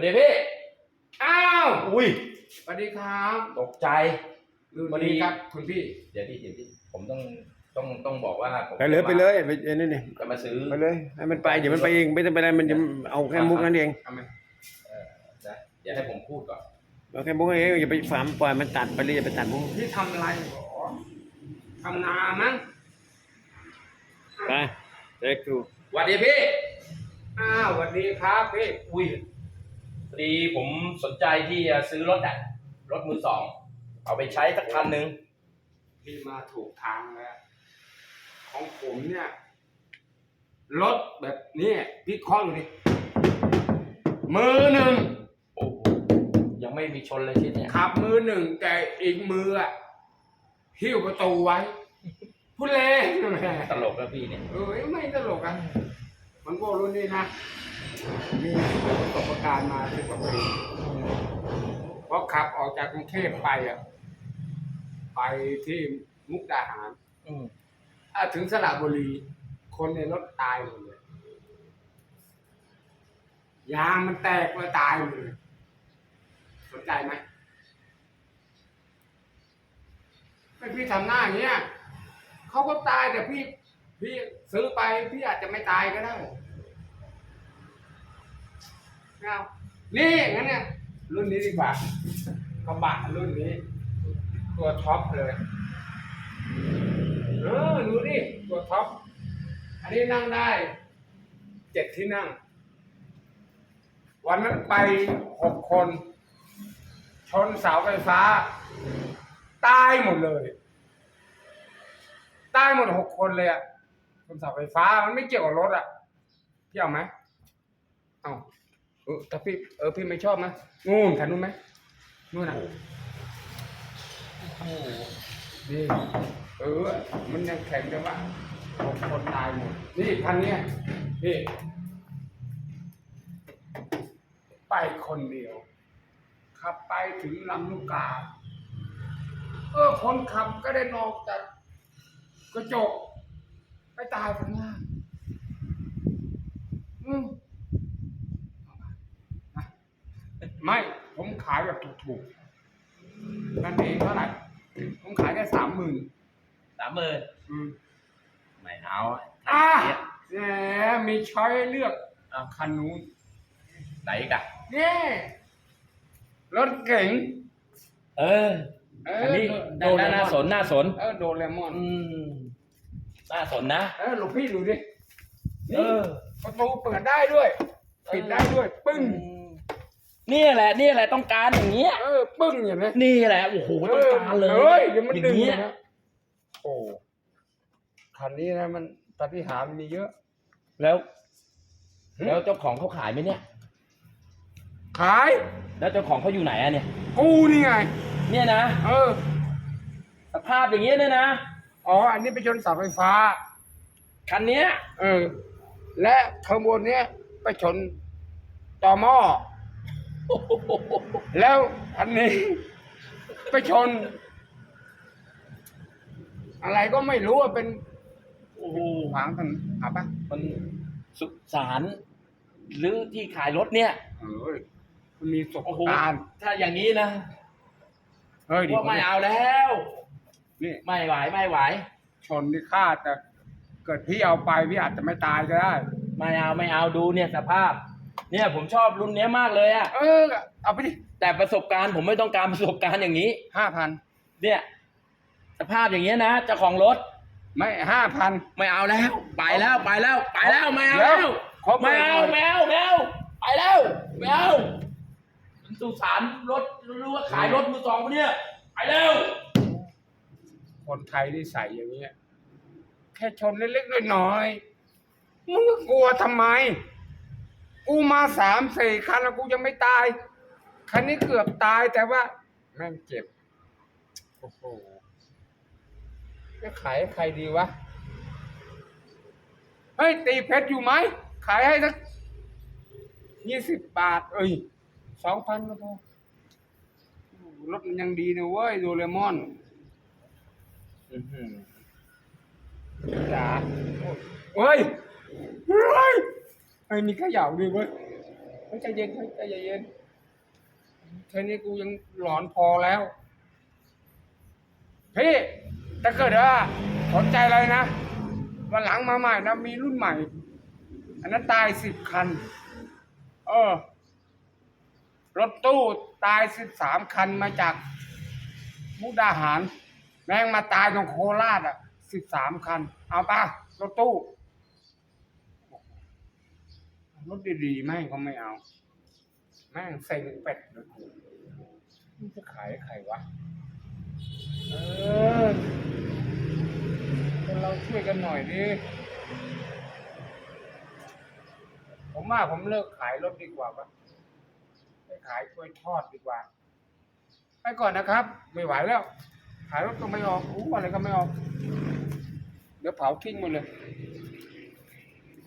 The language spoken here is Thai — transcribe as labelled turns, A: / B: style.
A: ดีพี่
B: อ้าว
A: อุ้ย
B: สวัสดีครับ
A: ตกใจ
B: สวัสดีครับคุณพี่
A: เดี๋ยวพี่ผมต้องบอกว่าผม
C: ไปเลยไปเลยไปนี่นี่
A: จะมาซื้อ
C: ไปเลยให้มันไปเดี๋ยวมันไปเองไม่ต้องไปอะไรมันจะเอาแค่มุกนั้นเอง
B: ทำไม
A: นะเดี๋ยวให้ผมพูดก่อน
C: เอาแค่มุกเองอย่าไปฝามปล่อยมันตัดไปเลยอย่าไปตัดมุก
B: พี่ทำอะไรหรอทำนามั้ง
C: ไปเด็กดู
A: สวัสดีพี่
B: อ้าวสวัสดีครับพี่
A: อุ้ยพอดีผมสนใจที่จะซื้อรถรถมือสองเอาไปใช้สักคันหนึ่ง
B: พี่มาถูกทางแล้วของผมเนี่ยรถแบบนี้พี่เคาะอยู่ดิมือหนึ่ง
A: โอ้โหยังไม่มีชนเลยชิ้นเนี่ย
B: ขับมือหนึ่งแต่อีกมืออ่ะหิ้วประตูไว้พูดเล่น
A: ตลกแล้วพี่เนี่ย
B: ไม่ตลกอ่ะมันก็รุ่นนี้นะมีประสบการณ์มา10 กว่าปีเพราะขับออกจากกรุงเทพไปอ่ะไปที่มุกดาหารถึงสระบุรีคนในรถตายหมดเลยยางมันแตกเลยตายหมดเลยสนใจไหมไม่พี่ทำหน้าอย่างเงี้ยเขาก็ตายแต่พี่ซื้อไปพี่อาจจะไม่ตายก็ได้เอานี่งั้นเนี่ยรุ่นนี้ดีกว่ากระบะรุ่นนี้ตัวท็อปเลยดูดิตัวท็อปอันนี้นั่งได้7 ที่นั่งวันนั้นไป6 คนชนเสาไฟฟ้าตายหมดเลยตายหมด6 คนเลยอ่ะชนเสาไฟฟ้ามันไม่เกี่ยวกับรถอ่ะพี่เอาไหมเอาแต่พี่ไม่ชอบนะงูนขันนู้นไหมนู่นน่ะนี่มันยังแข็งจังวะ6 คนตายหมดนี่คันนี้พี่ไปคนเดียวขับไปถึงลำลูกกาคนขับก็ได้นอกจากกระจกไปตายข้างล่างไม่ผมขายแบบถูกๆนั่นเองเท่าไหร่ผมขายแค่30,000
A: ไม่เอา
B: แหมมีช้อยให้เลือกคันนู้น
A: ไหนกัน
B: นี่รถเก๋ง
A: อันนี้น่าสน
B: โดเรมอน
A: น่าสนนะ
B: หลวงพี่ดูดิประตูเปิดได้ด้วยปิดได้ด้วยปึ้ง
A: นี่แหละต้องการอย่างเงี้ย
B: ปึ้งอย่างนี้
A: นี่แหละโอ้โหต้องการเลย
B: เดี๋ยวมันดึงนะโอ้คันนี้นะมันปาฏิหาริย์มีเยอะ
A: แล้วเจ้าของเขาขายไหมเนี่ย
B: ขาย
A: แล้วเจ้าของเขาอยู่ไหนอะเนี่ย
B: กูนี่ไง
A: เนี่ยนะสภาพอย่างเงี้ยเนี่ยนะ
B: อันนี้ไปชนเสาไฟฟ้า
A: คันเนี้ย
B: และขบวนเนี้ยไปชนต่อหม้อแล้วอันนี้ไปชนอะไรก็ไม่รู้ว่าเป็นขวางถนนป่ะ
A: มันสุสานหรือที่ขายรถเนี่ย
B: มันมีประสบการณ์
A: ถ้าอย่างนี้นะว่าไม่เอาแล้ว
B: นี่
A: ไม่ไหว
B: ชนที่ฆ่าแต่เกิดพี่เอาไปพี่อาจจะไม่ตายก็ได้
A: ไม่เอาดูเนี่ยสภาพเนี่ยผมชอบรุ่นนี้มากเลยอ่ะ
B: เอาไปดิ
A: แต่ประสบการณ์ผมไม่ต้องการประสบการณ์อย่างนี้
B: 5,000
A: เนี่ยสภาพอย่างเงี้ยนะเจ้าของรถ
B: ไม่5,000
A: ไม่เอาแล้วไปแล้วไม่เอาแล้วไปแล้วไม่เอาสุสานรถรู้ว่าขายรถมือสองเนี่ยไปแล้ว
B: คนไทยที่ใส่อย่างเงี้ยแค่ชนเล็กๆน้อยๆมึงก็กลัวทำไมกูมา3-4 คันแล้วกูยังไม่ตายคันนี้เกือบตายแต่ว่าแม่งเจ็บโอ้โหจะขายให้ใครดีวะเฮ้ยตีเพชรอยู่ไหมขายให้สัก20 บาท2,000ก็พอรถมันยังดีนะเว้ยโดเรมอนจ๋าเฮ้ยมีเขย่าด้วยเว้ยใจเย็นใจเย็นแค่นี้กูยังหลอนพอแล้วพี่ถ้าเกิดว่าสนใจอะไรนะวันหลังมาใหม่นะมีรุ่นใหม่ อันนั้นตาย10 คันรถตู้ตาย13 คันมาจากมุกดาหารแม่งมาตายตรงโคราช13 คันเอาป่ะรถตู้รถดีๆแม่งก็ไม่เอาแม่งเซ็งเป็ดเลยมันจะขายใครวะคนเราช่วยกันหน่อยดิผมว่าผมเลิกขายรถดีกว่าปะไปขายกล้วยทอดดีกว่าไปก่อนนะครับ ไม่ไหวแล้วขายรถก็ไม่ออกอะไรก็ไม่ออกเดี๋ยวเผาทิ้งหมดเลย